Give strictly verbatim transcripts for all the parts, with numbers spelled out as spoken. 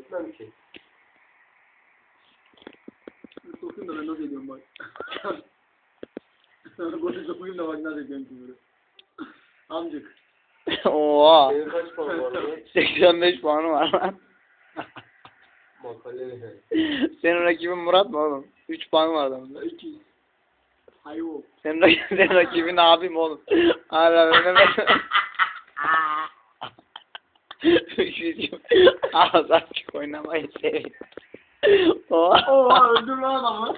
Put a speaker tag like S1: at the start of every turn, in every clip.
S1: etmem ki.
S2: Sokayım da ben nasıl ediyorum bak. Golü sokayım da bak nasıl ediyorum ki böyle. Amcık.
S3: Oha.
S1: Senin kaç puan var lan?
S3: seksen beş puanı var lan.
S1: Makale.
S3: Senin rakibin Murat mı oğlum? üç puan var adamda.
S2: İki. Hayır o.
S3: Senin, rak senin rakibin abim oğlum. Hala Mehmet. Ağız açık oynamayı seviyor. Oha.
S2: Oha öldür lan adamı.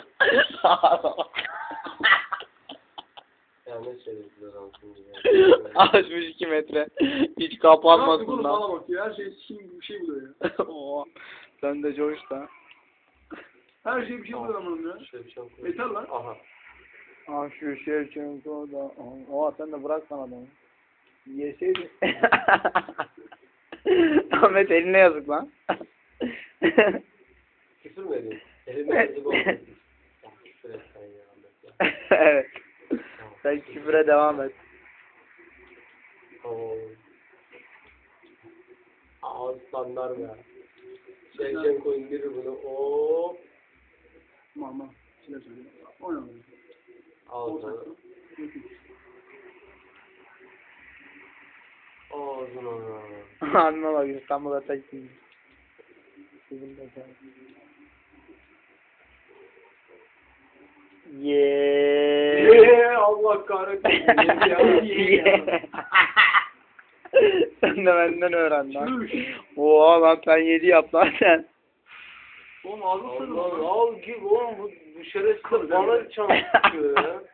S1: Ya ne söylediler adamsın ya.
S3: Açmış iki metre. Hiç kapanmaz
S2: Nasıl
S3: bundan.
S2: bana bak ya. Her şey şimdi bir şey buluyor ya.
S3: Oha. Sen de coş da.
S2: Her şey bir şey buluyor amınım ya.
S1: Şevçenko.
S2: Yeter lan.
S1: Aha.
S3: Ah şu Şevçenko da. Oha sen de bırak sana adamı. Yeseydin. Ahmet eline yazık lan.
S1: Küfür mü ediyorsun? Elime yazık oldu. Ya küfür et sen ya Ahmet ya.
S3: Evet. Sen küfüre devam et.
S1: Oo. Aslanlar ya. Şevçenko indirir bunu. Oo.
S2: Mama. Şeyler söyleyeyim. Oynamadım.
S1: Al sana. Ağzına.
S3: Anla bak İstanbul'a tek değil. Sizin de sen. Yeee.
S1: Yeee Allah kahretsin.
S3: Yeee. Sen de benden öğren lan. Oha lan sen yedi yap lan sen.
S2: Oğlum ağzını
S1: Allah
S2: sırrı.
S1: al gibi oğlum bu, bu şerefsiz bana çamur tutuyor ya.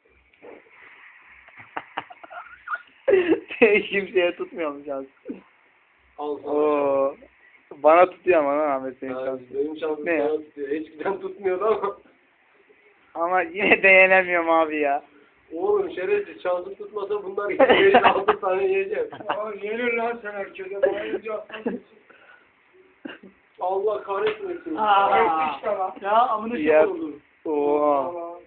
S3: Kimseye tutmuyormuş az.
S1: Al sana.
S3: Oo. Bana tutuyor ama lan Ahmet senin
S1: Yani
S3: şansın.
S1: benim şansım
S3: Ne ya?
S1: sana tutuyor. Eskiden tutmuyordu ama.
S3: Ama yine de yenemiyorum abi ya.
S1: Oğlum şerefsiz şansım tutmasa bunlar beş altı tane yiyeceğim.
S2: Aa yenir lan sen herkese. Bayılınca
S1: Allah kahretmesin.
S2: Aa işte lan. Ya amına şey
S3: Ya.
S2: oldu.
S3: Oha.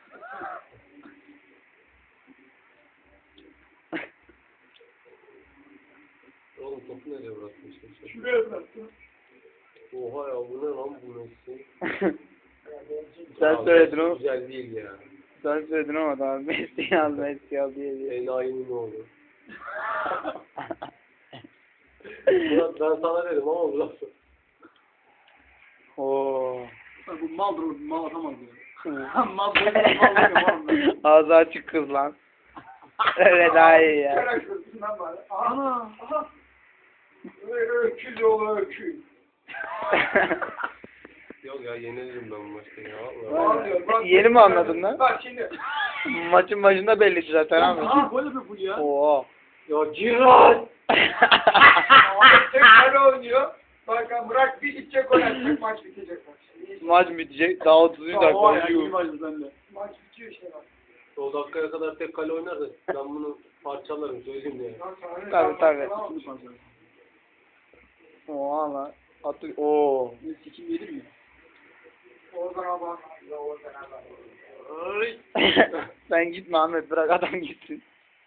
S1: Oğlum topu nereye bırakmışsın?
S2: Şuraya bıraktım.
S1: Oha ya bu ne lan bu Messi?
S3: Sen
S1: Ya,
S3: söyledin o.
S1: Güzel değil ya.
S3: Sen söyledin ama daha Messi al Messi al diye diye.
S1: Enayi'nin oğlu. Murat ben sana dedim ama bu lafı.
S3: Oo.
S2: Bu mal dur, mal atamaz ya. Mal dur, mal dur, mal.
S3: Ağzı açık kız lan. Öyle daha iyi ya.
S2: Şerefsizliğinden bari. Ana. Aha. Öküz oğlu öküz.
S1: Yok ya yenilirim ben bu maçta ya.
S2: Vallahi.
S3: Yeni mi anladın lan?
S2: Bak şimdi.
S3: Maçın başında belli zaten abi.
S2: Aha böyle bir full ya.
S3: Oo.
S1: Ya Cihat!
S2: Ahmet tek kale oynuyor. Bak bırak bir içecek oynayacak maç bitecek maç.
S3: Maç bitecek. Daha otuz dakika
S2: Oha ya
S3: oynuyor.
S2: iyi maçtı bende. Maç bitiyor işte bak.
S1: O dakikaya kadar tek kale oynarsa ben bunu parçalarım söyleyeyim ya.
S3: Tabii tabii. Oha lan. Atı. Oo.
S2: Ne sikim yedim mi? Oradan bak. Oradan bak.
S1: Ay!
S3: Sen gitme Ahmet bırak adam gitsin.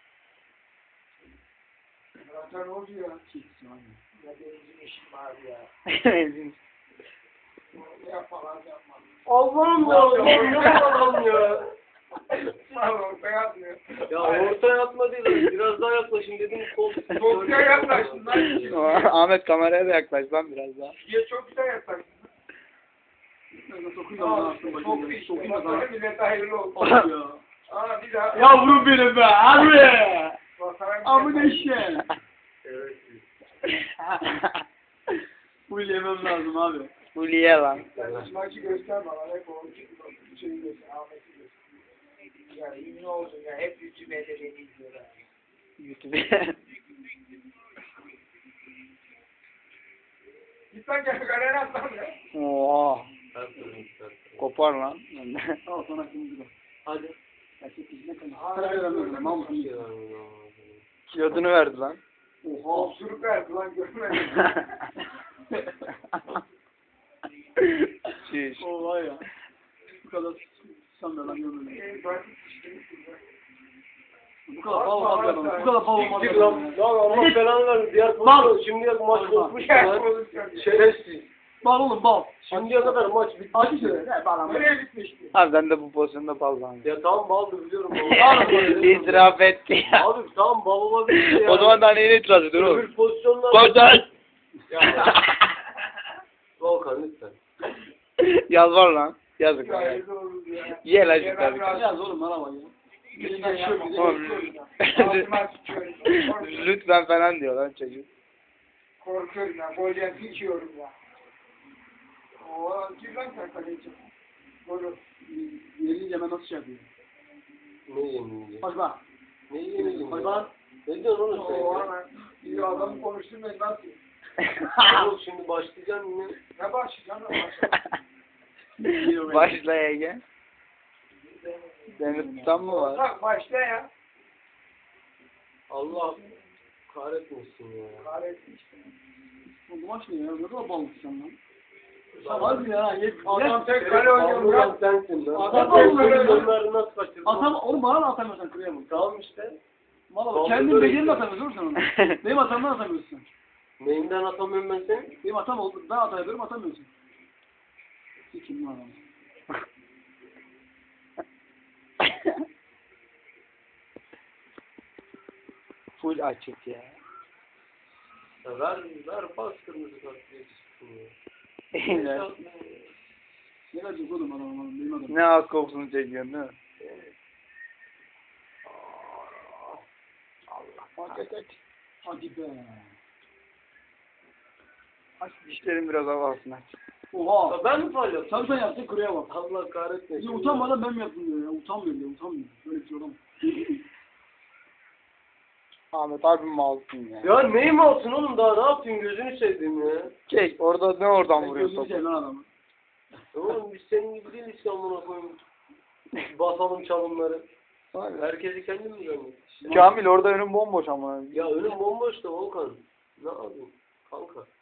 S2: Zaten ne oldu ya? Kesin abi. Ya benim işim var ya.
S3: Benzin.
S2: Yapma lan yapma.
S1: Allah'ım ya! Allah'ım ya! Allah'ım ya!
S2: Tamam ben yapmıyorum.
S1: Ya ortaya atma değil, biraz daha yaklaşın dedim. Kol,
S2: Ortaya yaklaştın lan.
S3: Ahmet kameraya da yaklaş lan biraz daha.
S2: Şuraya çok güzel yaklaştın. Sokayım da bana aslında bakayım. Sokayım da sana. Millete hayırlı olsun. Ya. Aa bir daha. Yavrum benim be abi. Amına işe.
S1: Evet.
S2: Bu yemem lazım abi.
S3: Hulye lan.
S2: Maçı göster bana. Hep o şeyi göster. Ahmet'i göster. Ya ünlü oldun ya. Hep YouTube'da beni izliyorlar.
S3: YouTube'e.
S2: Git lan gel galere atlan ya.
S3: Oha.
S1: Sertlerim, sertlerim.
S3: Kopar lan.
S2: Al sana kırmızı.
S1: Hadi.
S2: Gerçek yüzüne kalın. Para veremiyorum. Mal mısın?
S3: Kilodunu verdi lan.
S2: Oha. Osuruk verdi lan görmedim.
S3: Şiş.
S2: Oha ya. Bu kadar sanmıyor lan görmedim. Bu kadar bal olmaz ya. Bu kadar bal olmaz
S1: Gittik
S2: ya.
S1: lan. Lan Allah belanı versin. Diğer pozisyon. Şimdi maç kopmuş lan. Şerefsiz.
S2: Bal oğlum bal.
S1: Şimdiye kadar maç bitti.
S2: Acı söyle. Ne bal ama. Nereye bitmişti?
S3: Abi ben de bu pozisyonda bal zannediyorum.
S1: Ya tamam baldı biliyorum.
S3: İtiraf etti ya.
S1: Abi tamam bal olabilir ya.
S3: O zaman daha neyine itiraz ediyorsun oğlum?
S1: Öbür pozisyonlar...
S3: Koçan!
S1: Ya. Volkan lütfen.
S3: Yalvar lan. Yazık lan.
S2: Ya doğru ya.
S3: Ye lan şu
S2: Ya
S3: tabii.
S2: ben biraz oğlum bana bak ya. Birinden şöyle bir de
S3: Oğlum,
S2: Altıma sıçıyorum. Korkuyorum.
S3: Lütfen falan diyor lan çocuk.
S2: Korkuyorum ya. Golden içiyorum ya. Oo, gir lan sen kaleci. Golü. Yerince ben nasıl şey yapıyorum?
S1: Ne yemeyeceğim?
S2: Bak bak.
S1: Ne yemeyeceğim?
S2: Bak bak.
S1: Ne diyorsun oğlum sen?
S2: Oo,
S1: ya?
S2: hemen. İyi adamı konuşturmayın nasıl?
S1: Oğlum şimdi başlayacağım yine.
S2: Ne başlayacağım lan başlayacağım.
S3: Başla Ege. Seni tutan mı var?
S2: Bak başla ya.
S1: Allah kahretmesin ya.
S2: Kahretsin işte. Bu maç ne ya? Ne kadar balmışsın lan?
S1: Lan-
S2: Hadi ya. Yet, adam
S1: Adam
S2: tek kale oynuyor
S1: Ballı
S2: lan.
S1: sensin lan.
S2: Adam
S1: Adam
S2: ballı.
S1: onları nasıl kaçırdın?
S2: Atam, oğlum bana da atamıyorsan kırıya bak.
S1: Tamam işte.
S2: Valla
S1: Ballı
S2: kendin
S1: böyle
S2: becerini
S1: işte.
S2: atamıyorsun oğlum sen onu. Benim atamdan atamıyorsun.
S1: Neyinden atamıyorum ben seni?
S2: Benim atam oldu. Ben atabilirim atamıyorsun. Sikim lan adamı.
S3: Full açık ya.
S1: Ya ver, ver bas kırmızı kart diye çıksın ya.
S3: Aynen.
S2: Ne verecek oğlum adam adam benim adamım.
S3: Ne az kokusunu çekiyorsun değil mi?
S1: Allah aç aç aç.
S2: Hadi be.
S3: Aç dişlerin biraz hava alsın aç.
S2: Oha.
S1: Ya ben mi faal yaptım?
S2: Sen sen yaptın kırıya bak.
S1: Allah kahretmesin.
S2: Ya utanmadan ben mi yaptım diyor ya. Utanmıyorum ya utanmıyorum. Böyle bir şey olamaz.
S3: Ahmet abi mi alsın ya?
S1: Ya neyim olsun oğlum daha ne yapayım gözünü seveyim ya.
S3: Çek orada ne oradan
S2: Ben
S3: vuruyor
S2: gözünü
S3: topu?
S2: seveyim lan adamı.
S1: Oğlum biz senin gibi değiliz ki amına koyayım. Basalım çalımları. Herkesi kendim mi zannettim?
S3: Kamil orada önüm bomboş ama.
S1: Ya önüm bomboş da Volkan. Ne yapayım kanka?